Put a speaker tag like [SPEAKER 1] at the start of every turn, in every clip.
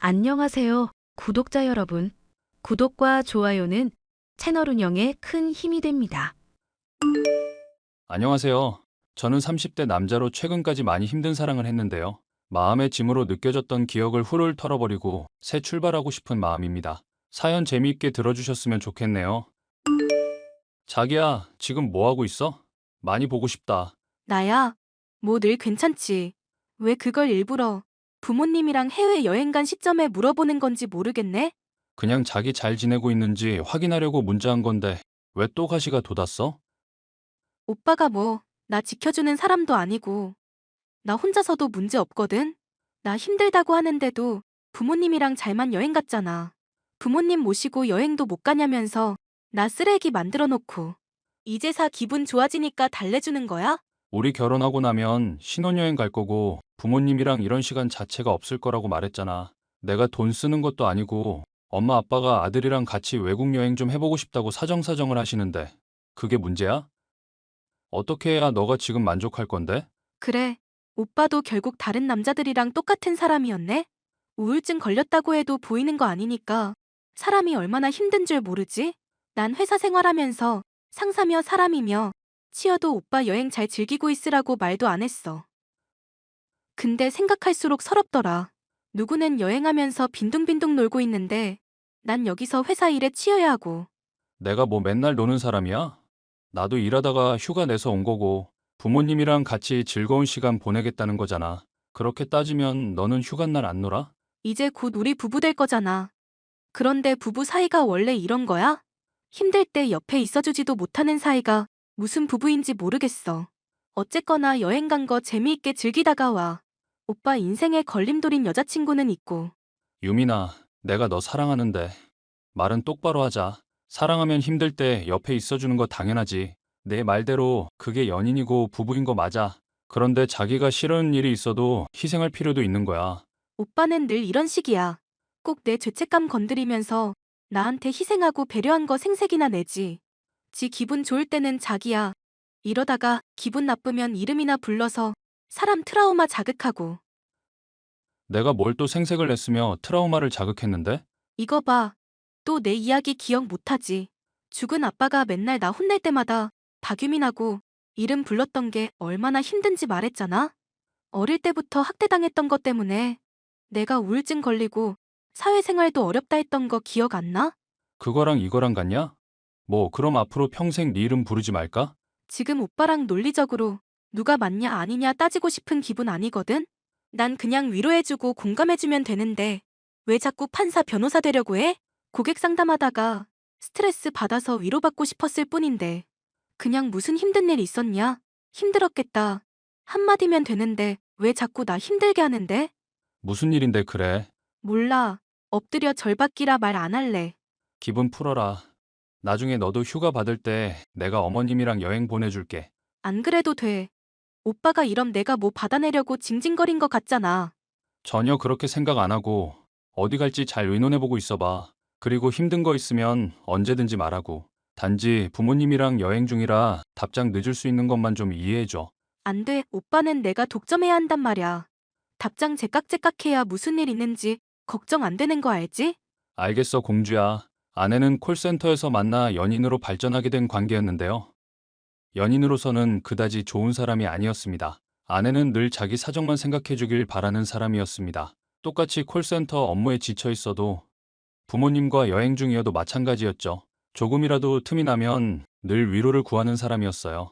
[SPEAKER 1] 안녕하세요, 구독자 여러분. 구독과 좋아요는 채널 운영에 큰 힘이 됩니다.
[SPEAKER 2] 안녕하세요. 저는 30대 남자로 최근까지 많이 힘든 사랑을 했는데요. 마음의 짐으로 느껴졌던 기억을 훌훌 털어버리고 새 출발하고 싶은 마음입니다. 사연 재미있게 들어주셨으면 좋겠네요. 자기야, 지금 뭐 하고 있어? 많이 보고 싶다.
[SPEAKER 3] 나야, 뭐 늘 괜찮지. 왜 그걸 일부러 부모님이랑 해외여행 간 시점에 물어보는 건지 모르겠네?
[SPEAKER 2] 그냥 자기 잘 지내고 있는지 확인하려고 문자한 건데 왜 또 가시가 돋았어?
[SPEAKER 3] 오빠가 뭐, 나 지켜주는 사람도 아니고, 나 혼자서도 문제 없거든? 나 힘들다고 하는데도 부모님이랑 잘만 여행 갔잖아. 부모님 모시고 여행도 못 가냐면서 나 쓰레기 만들어 놓고. 이제사 기분 좋아지니까 달래주는 거야?
[SPEAKER 2] 우리 결혼하고 나면 신혼여행 갈 거고 부모님이랑 이런 시간 자체가 없을 거라고 말했잖아. 내가 돈 쓰는 것도 아니고 엄마 아빠가 아들이랑 같이 외국 여행 좀 해보고 싶다고 사정사정을 하시는데 그게 문제야? 어떻게 해야 너가 지금 만족할 건데?
[SPEAKER 3] 그래, 오빠도 결국 다른 남자들이랑 똑같은 사람이었네? 우울증 걸렸다고 해도 보이는 거 아니니까 사람이 얼마나 힘든 줄 모르지? 난 회사 생활하면서 상사며 사람이며 치여도 오빠 여행 잘 즐기고 있으라고 말도 안 했어. 근데 생각할수록 서럽더라. 누구는 여행하면서 빈둥빈둥 놀고 있는데 난 여기서 회사 일에 치여야 하고.
[SPEAKER 2] 내가 뭐 맨날 노는 사람이야? 나도 일하다가 휴가 내서 온 거고 부모님이랑 같이 즐거운 시간 보내겠다는 거잖아. 그렇게 따지면 너는 휴가날 안 놀아?
[SPEAKER 3] 이제 곧 우리 부부 될 거잖아. 그런데 부부 사이가 원래 이런 거야? 힘들 때 옆에 있어주지도 못하는 사이가 무슨 부부인지 모르겠어. 어쨌거나 여행 간 거 재미있게 즐기다가 와. 오빠 인생에 걸림돌인 여자친구는 있고.
[SPEAKER 2] 유민아, 내가 너 사랑하는데 말은 똑바로 하자. 사랑하면 힘들 때 옆에 있어주는 거 당연하지. 내 말대로 그게 연인이고 부부인 거 맞아. 그런데 자기가 싫은 일이 있어도 희생할 필요도 있는 거야.
[SPEAKER 3] 오빠는 늘 이런 식이야. 꼭 내 죄책감 건드리면서 나한테 희생하고 배려한 거 생색이나 내지. 지 기분 좋을 때는 자기야. 이러다가 기분 나쁘면 이름이나 불러서 사람 트라우마 자극하고.
[SPEAKER 2] 내가 뭘 또 생색을 냈으며 트라우마를 자극했는데?
[SPEAKER 3] 이거 봐. 또 내 이야기 기억 못하지. 죽은 아빠가 맨날 나 혼낼 때마다 박유민하고 이름 불렀던 게 얼마나 힘든지 말했잖아. 어릴 때부터 학대당했던 것 때문에 내가 우울증 걸리고 사회생활도 어렵다 했던 거 기억 안 나?
[SPEAKER 2] 그거랑 이거랑 같냐? 뭐 그럼 앞으로 평생 네 이름 부르지 말까?
[SPEAKER 3] 지금 오빠랑 논리적으로 누가 맞냐 아니냐 따지고 싶은 기분 아니거든? 난 그냥 위로해주고 공감해주면 되는데 왜 자꾸 판사 변호사 되려고 해? 고객 상담하다가 스트레스 받아서 위로받고 싶었을 뿐인데 그냥 무슨 힘든 일 있었냐? 힘들었겠다. 한마디면 되는데 왜 자꾸 나 힘들게 하는데?
[SPEAKER 2] 무슨 일인데 그래?
[SPEAKER 3] 몰라. 엎드려 절받기라 말 안 할래.
[SPEAKER 2] 기분 풀어라. 나중에 너도 휴가 받을 때 내가 어머님이랑 여행 보내줄게.
[SPEAKER 3] 안 그래도 돼. 오빠가 이럼 내가 뭐 받아내려고 징징거린 것 같잖아.
[SPEAKER 2] 전혀 그렇게 생각 안 하고 어디 갈지 잘 의논해보고 있어봐. 그리고 힘든 거 있으면 언제든지 말하고. 단지 부모님이랑 여행 중이라 답장 늦을 수 있는 것만 좀 이해해줘.
[SPEAKER 3] 안 돼. 오빠는 내가 독점해야 한단 말이야. 답장 제깍제깍해야 무슨 일 있는지 걱정 안 되는 거 알지?
[SPEAKER 2] 알겠어, 공주야. 아내는 콜센터에서 만나 연인으로 발전하게 된 관계였는데요. 연인으로서는 그다지 좋은 사람이 아니었습니다. 아내는 늘 자기 사정만 생각해 주길 바라는 사람이었습니다. 똑같이 콜센터 업무에 지쳐 있어도 부모님과 여행 중이어도 마찬가지였죠. 조금이라도 틈이 나면 늘 위로를 구하는 사람이었어요.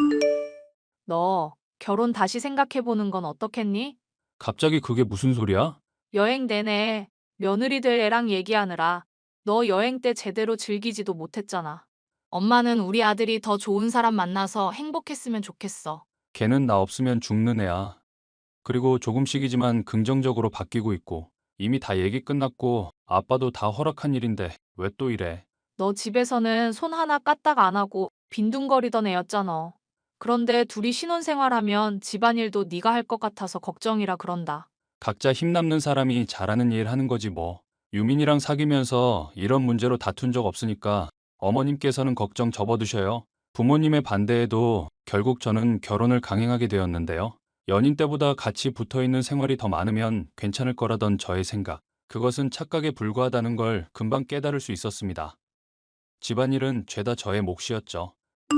[SPEAKER 4] 너 결혼 다시 생각해보는 건 어떻겠니?
[SPEAKER 2] 갑자기 그게 무슨 소리야?
[SPEAKER 4] 여행 내내 며느리들 애랑 얘기하느라 너 여행 때 제대로 즐기지도 못했잖아. 엄마는 우리 아들이 더 좋은 사람 만나서 행복했으면 좋겠어.
[SPEAKER 2] 걔는 나 없으면 죽는 애야. 그리고 조금씩이지만 긍정적으로 바뀌고 있고 이미 다 얘기 끝났고 아빠도 다 허락한 일인데 왜 또 이래?
[SPEAKER 4] 너 집에서는 손 하나 까딱 안 하고 빈둥거리던 애였잖아. 그런데 둘이 신혼생활하면 집안일도 네가 할 것 같아서 걱정이라 그런다.
[SPEAKER 2] 각자 힘남는 사람이 잘하는 일 하는 거지 뭐. 유민이랑 사귀면서 이런 문제로 다툰 적 없으니까 어머님께서는 걱정 접어두셔요. 부모님의 반대에도 결국 저는 결혼을 강행하게 되었는데요. 연인 때보다 같이 붙어 있는 생활이 더 많으면 괜찮을 거라던 저의 생각. 그것은 착각에 불과하다는 걸 금방 깨달을 수 있었습니다. 집안일은 죄다 저의 몫이었죠.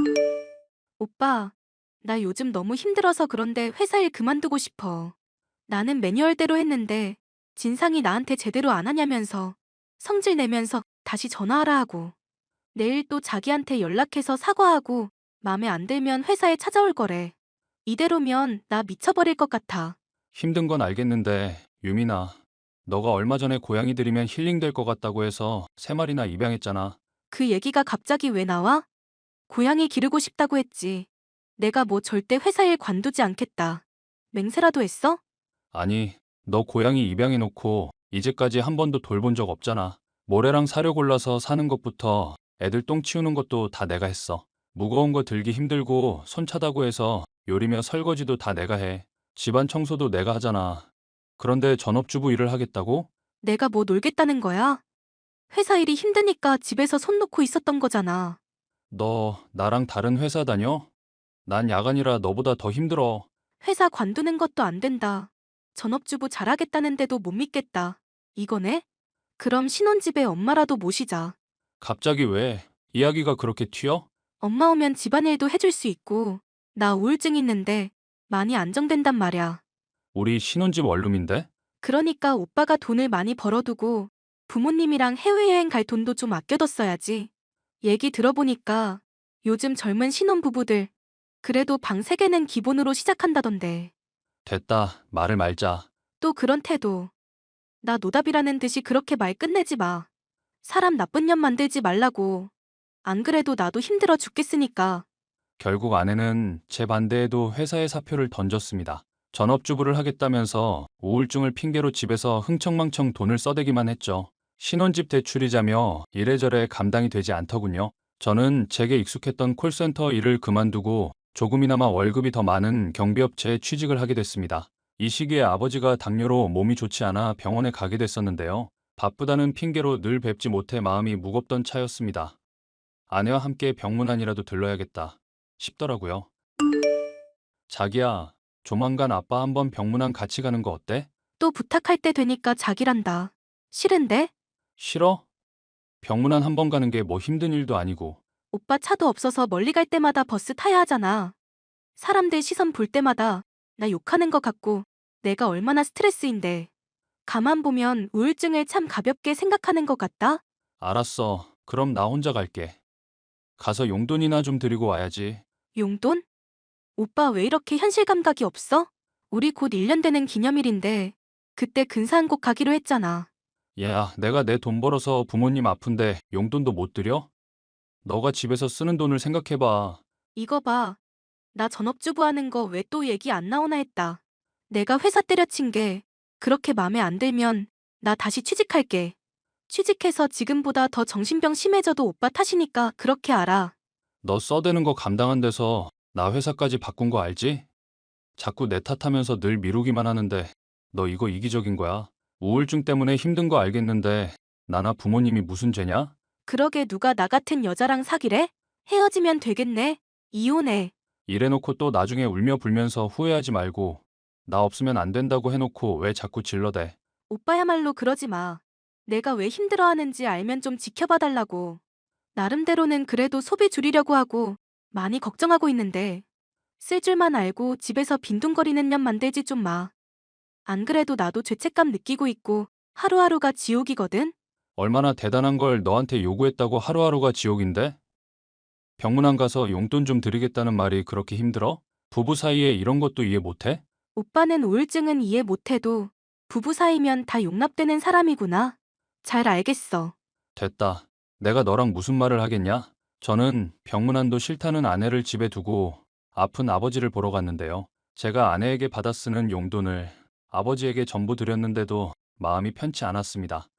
[SPEAKER 3] 오빠, 나 요즘 너무 힘들어서 그런데 회사 일 그만두고 싶어. 나는 매뉴얼대로 했는데 진상이 나한테 제대로 안 하냐면서 성질 내면서 다시 전화하라 하고 내일 또 자기한테 연락해서 사과하고 맘에 안 들면 회사에 찾아올 거래. 이대로면 나 미쳐버릴 것 같아.
[SPEAKER 2] 힘든 건 알겠는데, 유민아, 너가 얼마 전에 고양이 들이면 힐링될 것 같다고 해서 3마리나 입양했잖아.
[SPEAKER 3] 그 얘기가 갑자기 왜 나와? 고양이 기르고 싶다고 했지. 내가 뭐 절대 회사 일 관두지 않겠다. 맹세라도 했어?
[SPEAKER 2] 아니, 너 고양이 입양해놓고 이제까지 한 번도 돌본 적 없잖아. 모래랑 사료 골라서 사는 것부터 애들 똥 치우는 것도 다 내가 했어. 무거운 거 들기 힘들고 손 차다고 해서 요리며 설거지도 다 내가 해. 집안 청소도 내가 하잖아. 그런데 전업주부 일을 하겠다고?
[SPEAKER 3] 내가 뭐 놀겠다는 거야? 회사 일이 힘드니까 집에서 손 놓고 있었던 거잖아.
[SPEAKER 2] 너 나랑 다른 회사 다녀? 난 야간이라 너보다 더 힘들어.
[SPEAKER 3] 회사 관두는 것도 안 된다. 전업주부 잘하겠다는데도 못 믿겠다. 이거네? 그럼 신혼집에 엄마라도 모시자.
[SPEAKER 2] 갑자기 왜? 이야기가 그렇게 튀어?
[SPEAKER 3] 엄마 오면 집안일도 해줄 수 있고, 나 우울증 있는데 많이 안정된단 말이야.
[SPEAKER 2] 우리 신혼집 원룸인데?
[SPEAKER 3] 그러니까 오빠가 돈을 많이 벌어두고 부모님이랑 해외여행 갈 돈도 좀 아껴뒀어야지. 얘기 들어보니까 요즘 젊은 신혼부부들 그래도 방 3개는 기본으로 시작한다던데.
[SPEAKER 2] 됐다. 말을 말자.
[SPEAKER 3] 또 그런 태도. 나 노답이라는 듯이 그렇게 말 끝내지 마. 사람 나쁜 년 만들지 말라고. 안 그래도 나도 힘들어 죽겠으니까.
[SPEAKER 2] 결국 아내는 제 반대에도 회사에 사표를 던졌습니다. 전업주부를 하겠다면서 우울증을 핑계로 집에서 흥청망청 돈을 써대기만 했죠. 신혼집 대출이자며 이래저래 감당이 되지 않더군요. 저는 제게 익숙했던 콜센터 일을 그만두고 조금이나마 월급이 더 많은 경비업체에 취직을 하게 됐습니다. 이 시기에 아버지가 당뇨로 몸이 좋지 않아 병원에 가게 됐었는데요. 바쁘다는 핑계로 늘 뵙지 못해 마음이 무겁던 차였습니다. 아내와 함께 병문안이라도 들러야겠다 싶더라고요. 자기야, 조만간 아빠 한번 병문안 같이 가는 거 어때?
[SPEAKER 3] 또 부탁할 때 되니까 자기란다. 싫은데?
[SPEAKER 2] 싫어? 병문안 한번 가는 게 뭐 힘든 일도 아니고.
[SPEAKER 3] 오빠 차도 없어서 멀리 갈 때마다 버스 타야 하잖아. 사람들 시선 볼 때마다 나 욕하는 것 같고 내가 얼마나 스트레스인데. 가만 보면 우울증을 참 가볍게 생각하는 것 같다?
[SPEAKER 2] 알았어. 그럼 나 혼자 갈게. 가서 용돈이나 좀 드리고 와야지.
[SPEAKER 3] 용돈? 오빠 왜 이렇게 현실 감각이 없어? 우리 곧 1년 되는 기념일인데 그때 근사한 곳 가기로 했잖아.
[SPEAKER 2] 야, 내가 내 돈 벌어서 부모님 아픈데 용돈도 못 드려? 너가 집에서 쓰는 돈을 생각해봐.
[SPEAKER 3] 이거 봐. 나 전업주부 하는 거 왜 또 얘기 안 나오나 했다. 내가 회사 때려친 게 그렇게 맘에 안 들면 나 다시 취직할게. 취직해서 지금보다 더 정신병 심해져도 오빠 탓이니까 그렇게 알아.
[SPEAKER 2] 너 써대는 거 감당 안 돼서 나 회사까지 바꾼 거 알지? 자꾸 내 탓하면서 늘 미루기만 하는데 너 이거 이기적인 거야. 우울증 때문에 힘든 거 알겠는데 나나 부모님이 무슨 죄냐?
[SPEAKER 3] 그러게 누가 나 같은 여자랑 사귀래? 헤어지면 되겠네. 이혼해.
[SPEAKER 2] 이래놓고 또 나중에 울며 불면서 후회하지 말고 나 없으면 안 된다고 해놓고 왜 자꾸 질러대.
[SPEAKER 3] 오빠야말로 그러지 마. 내가 왜 힘들어하는지 알면 좀 지켜봐 달라고. 나름대로는 그래도 소비 줄이려고 하고 많이 걱정하고 있는데 쓸 줄만 알고 집에서 빈둥거리는 년 만들지 좀 마. 안 그래도 나도 죄책감 느끼고 있고 하루하루가 지옥이거든?
[SPEAKER 2] 얼마나 대단한 걸 너한테 요구했다고 하루하루가 지옥인데? 병문안 가서 용돈 좀 드리겠다는 말이 그렇게 힘들어? 부부 사이에 이런 것도 이해 못해?
[SPEAKER 3] 오빠는 우울증은 이해 못해도 부부 사이면 다 용납되는 사람이구나. 잘 알겠어.
[SPEAKER 2] 됐다. 내가 너랑 무슨 말을 하겠냐? 저는 병문안도 싫다는 아내를 집에 두고 아픈 아버지를 보러 갔는데요. 제가 아내에게 받아 쓰는 용돈을 아버지에게 전부 드렸는데도 마음이 편치 않았습니다.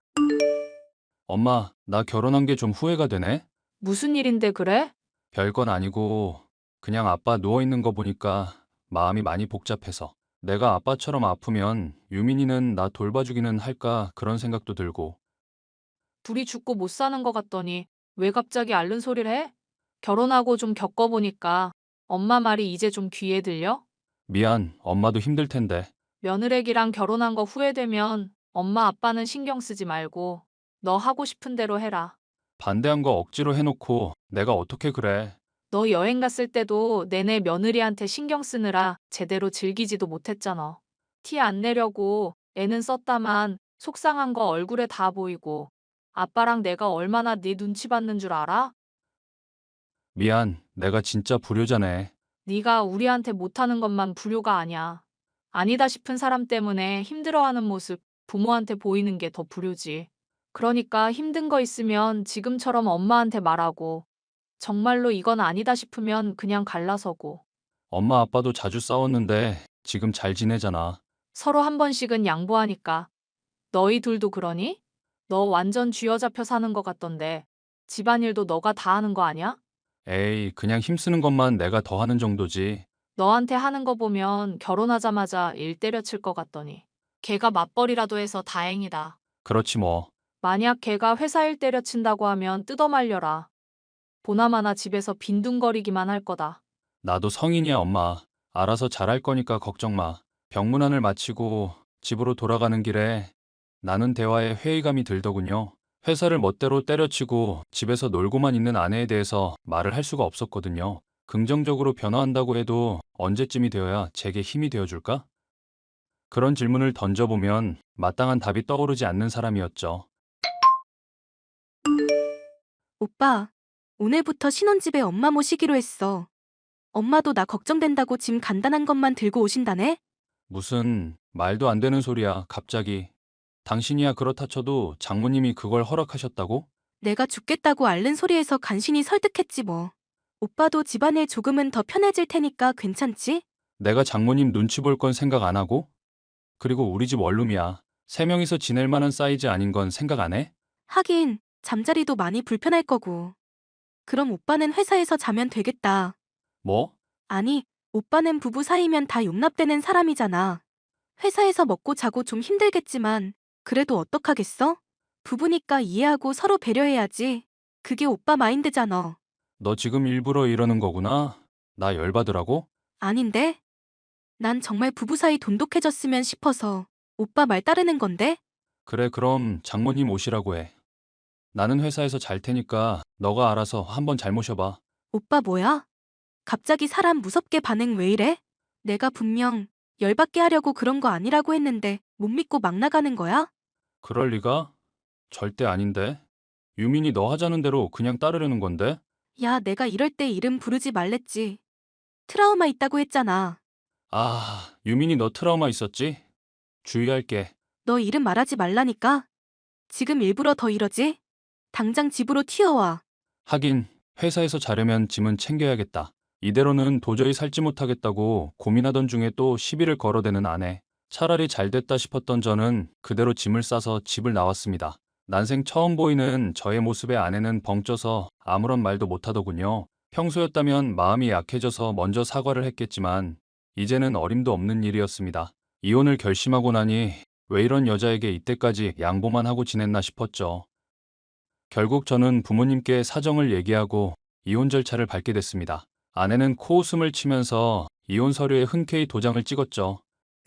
[SPEAKER 2] 엄마, 나 결혼한 게 좀 후회가 되네?
[SPEAKER 4] 무슨 일인데 그래?
[SPEAKER 2] 별건 아니고 그냥 아빠 누워있는 거 보니까 마음이 많이 복잡해서 내가 아빠처럼 아프면 유민이는 나 돌봐주기는 할까 그런 생각도 들고
[SPEAKER 4] 둘이 죽고 못 사는 것 같더니 왜 갑자기 앓는 소리를 해? 결혼하고 좀 겪어보니까 엄마 말이 이제 좀 귀에 들려?
[SPEAKER 2] 미안, 엄마도 힘들 텐데.
[SPEAKER 4] 며느리랑 결혼한 거 후회되면 엄마 아빠는 신경 쓰지 말고 너 하고 싶은 대로 해라.
[SPEAKER 2] 반대한 거 억지로 해놓고 내가 어떻게 그래.
[SPEAKER 4] 너 여행 갔을 때도 내내 며느리한테 신경 쓰느라 제대로 즐기지도 못했잖아. 티 안 내려고 애는 썼다만 속상한 거 얼굴에 다 보이고 아빠랑 내가 얼마나 네 눈치 받는 줄 알아?
[SPEAKER 2] 미안, 내가 진짜 불효자네.
[SPEAKER 4] 네가 우리한테 못하는 것만 불효가 아니야. 아니다 싶은 사람 때문에 힘들어하는 모습 부모한테 보이는 게 더 불효지. 그러니까 힘든 거 있으면 지금처럼 엄마한테 말하고 정말로 이건 아니다 싶으면 그냥 갈라서고
[SPEAKER 2] 엄마 아빠도 자주 싸웠는데 지금 잘 지내잖아.
[SPEAKER 4] 서로 한 번씩은 양보하니까. 너희 둘도 그러니? 너 완전 쥐어잡혀 사는 것 같던데 집안일도 너가 다 하는 거 아니야?
[SPEAKER 2] 에이, 그냥 힘쓰는 것만 내가 더 하는 정도지.
[SPEAKER 4] 너한테 하는 거 보면 결혼하자마자 일 때려칠 것 같더니. 걔가 맞벌이라도 해서 다행이다.
[SPEAKER 2] 그렇지 뭐.
[SPEAKER 4] 만약 걔가 회사 일 때려친다고 하면 뜯어말려라. 보나마나 집에서 빈둥거리기만 할 거다.
[SPEAKER 2] 나도 성인이야, 엄마. 알아서 잘할 거니까 걱정 마. 병문안을 마치고 집으로 돌아가는 길에 나눈 대화에 회의감이 들더군요. 회사를 멋대로 때려치고 집에서 놀고만 있는 아내에 대해서 말을 할 수가 없었거든요. 긍정적으로 변화한다고 해도 언제쯤이 되어야 제게 힘이 되어줄까? 그런 질문을 던져보면 마땅한 답이 떠오르지 않는 사람이었죠.
[SPEAKER 3] 오빠, 오늘부터 신혼집에 엄마 모시기로 했어. 엄마도 나 걱정된다고 짐 간단한 것만 들고 오신다네?
[SPEAKER 2] 무슨 말도 안 되는 소리야, 갑자기. 당신이야 그렇다 쳐도 장모님이 그걸 허락하셨다고?
[SPEAKER 3] 내가 죽겠다고 앓는 소리에서 간신히 설득했지 뭐. 오빠도 집안일 조금은 더 편해질 테니까 괜찮지?
[SPEAKER 2] 내가 장모님 눈치 볼 건 생각 안 하고? 그리고 우리 집 원룸이야. 세 명이서 지낼 만한 사이즈 아닌 건 생각 안 해?
[SPEAKER 3] 하긴, 잠자리도 많이 불편할 거고. 그럼 오빠는 회사에서 자면 되겠다.
[SPEAKER 2] 뭐?
[SPEAKER 3] 아니, 오빠는 부부 사이면 다 용납되는 사람이잖아. 회사에서 먹고 자고 좀 힘들겠지만, 그래도 어떡하겠어? 부부니까 이해하고 서로 배려해야지. 그게 오빠 마인드잖아.
[SPEAKER 2] 너 지금 일부러 이러는 거구나? 나 열받으라고?
[SPEAKER 3] 아닌데? 난 정말 부부 사이 돈독해졌으면 싶어서 오빠 말 따르는 건데?
[SPEAKER 2] 그래, 그럼 장모님 오시라고 해. 나는 회사에서 잘 테니까 너가 알아서 한번 잘 모셔봐.
[SPEAKER 3] 오빠 뭐야? 갑자기 사람 무섭게 반응 왜 이래? 내가 분명 열받게 하려고 그런 거 아니라고 했는데 못 믿고 막 나가는 거야?
[SPEAKER 2] 그럴 리가? 절대 아닌데. 유민이 너 하자는 대로 그냥 따르려는 건데?
[SPEAKER 3] 야, 내가 이럴 때 이름 부르지 말랬지. 트라우마 있다고 했잖아.
[SPEAKER 2] 아, 유민이 너 트라우마 있었지? 주의할게.
[SPEAKER 3] 너 이름 말하지 말라니까. 지금 일부러 더 이러지? 당장 집으로 튀어와.
[SPEAKER 2] 하긴 회사에서 자려면 짐은 챙겨야겠다. 이대로는 도저히 살지 못하겠다고 고민하던 중에 또 시비를 걸어대는 아내. 차라리 잘 됐다 싶었던 저는 그대로 짐을 싸서 집을 나왔습니다. 난생 처음 보이는 저의 모습에 아내는 벙쪄서 아무런 말도 못하더군요. 평소였다면 마음이 약해져서 먼저 사과를 했겠지만 이제는 어림도 없는 일이었습니다. 이혼을 결심하고 나니 왜 이런 여자에게 이때까지 양보만 하고 지냈나 싶었죠. 결국 저는 부모님께 사정을 얘기하고 이혼 절차를 밟게 됐습니다. 아내는 코웃음을 치면서 이혼 서류에 흔쾌히 도장을 찍었죠.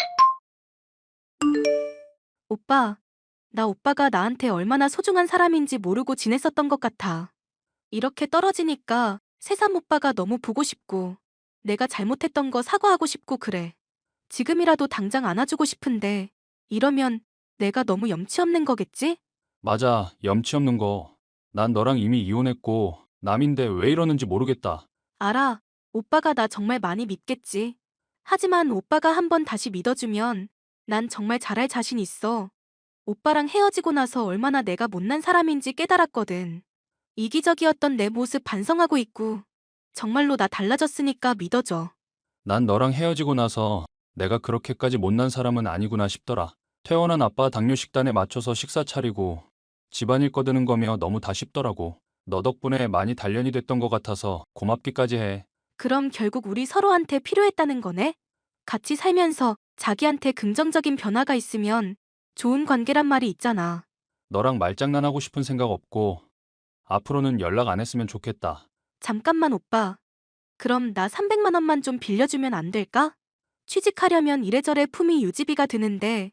[SPEAKER 3] 오빠, 나 오빠가 나한테 얼마나 소중한 사람인지 모르고 지냈었던 것 같아. 이렇게 떨어지니까 새삼 오빠가 너무 보고 싶고, 내가 잘못했던 거 사과하고 싶고 그래. 지금이라도 당장 안아주고 싶은데, 이러면 내가 너무 염치 없는 거겠지?
[SPEAKER 2] 맞아, 염치 없는 거. 난 너랑 이미 이혼했고 남인데 왜 이러는지 모르겠다.
[SPEAKER 3] 알아. 오빠가 나 정말 많이 믿겠지. 하지만 오빠가 한번 다시 믿어주면 난 정말 잘할 자신 있어. 오빠랑 헤어지고 나서 얼마나 내가 못난 사람인지 깨달았거든. 이기적이었던 내 모습 반성하고 있고 정말로 나 달라졌으니까 믿어줘.
[SPEAKER 2] 난 너랑 헤어지고 나서 내가 그렇게까지 못난 사람은 아니구나 싶더라. 퇴원한 아빠 당뇨 식단에 맞춰서 식사 차리고 집안일 꺼드는 거며 너무 다 쉽더라고. 너 덕분에 많이 단련이 됐던 것 같아서 고맙기까지 해.
[SPEAKER 3] 그럼 결국 우리 서로한테 필요했다는 거네? 같이 살면서 자기한테 긍정적인 변화가 있으면 좋은 관계란 말이 있잖아.
[SPEAKER 2] 너랑 말장난하고 싶은 생각 없고 앞으로는 연락 안 했으면 좋겠다.
[SPEAKER 3] 잠깐만 오빠. 그럼 나 300만 원만 좀 빌려주면 안 될까? 취직하려면 이래저래 품위 유지비가 드는데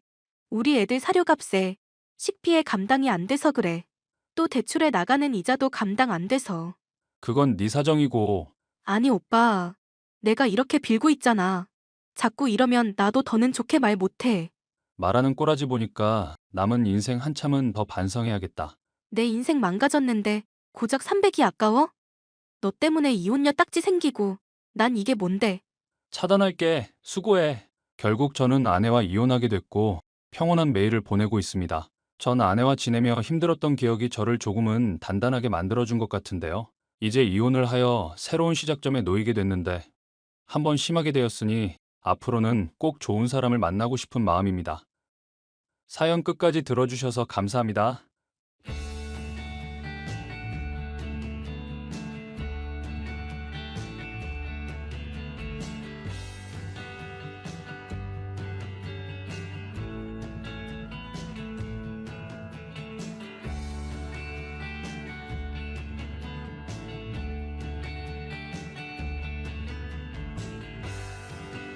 [SPEAKER 3] 우리 애들 사료값에 식비에 감당이 안 돼서 그래. 또 대출에 나가는 이자도 감당 안 돼서.
[SPEAKER 2] 그건 네 사정이고
[SPEAKER 3] 아니, 오빠. 내가 이렇게 빌고 있잖아. 자꾸 이러면 나도 더는 좋게 말 못해.
[SPEAKER 2] 말하는 꼬라지 보니까 남은 인생 한참은 더 반성해야겠다.
[SPEAKER 3] 내 인생 망가졌는데 고작 300이 아까워? 너 때문에 이혼녀 딱지 생기고 난 이게 뭔데?
[SPEAKER 2] 차단할게. 수고해. 결국 저는 아내와 이혼하게 됐고 평온한 매일을 보내고 있습니다. 전 아내와 지내며 힘들었던 기억이 저를 조금은 단단하게 만들어준 것 같은데요. 이제 이혼을 하여 새로운 시작점에 놓이게 됐는데 한번 심하게 되었으니 앞으로는 꼭 좋은 사람을 만나고 싶은 마음입니다. 사연 끝까지 들어주셔서 감사합니다.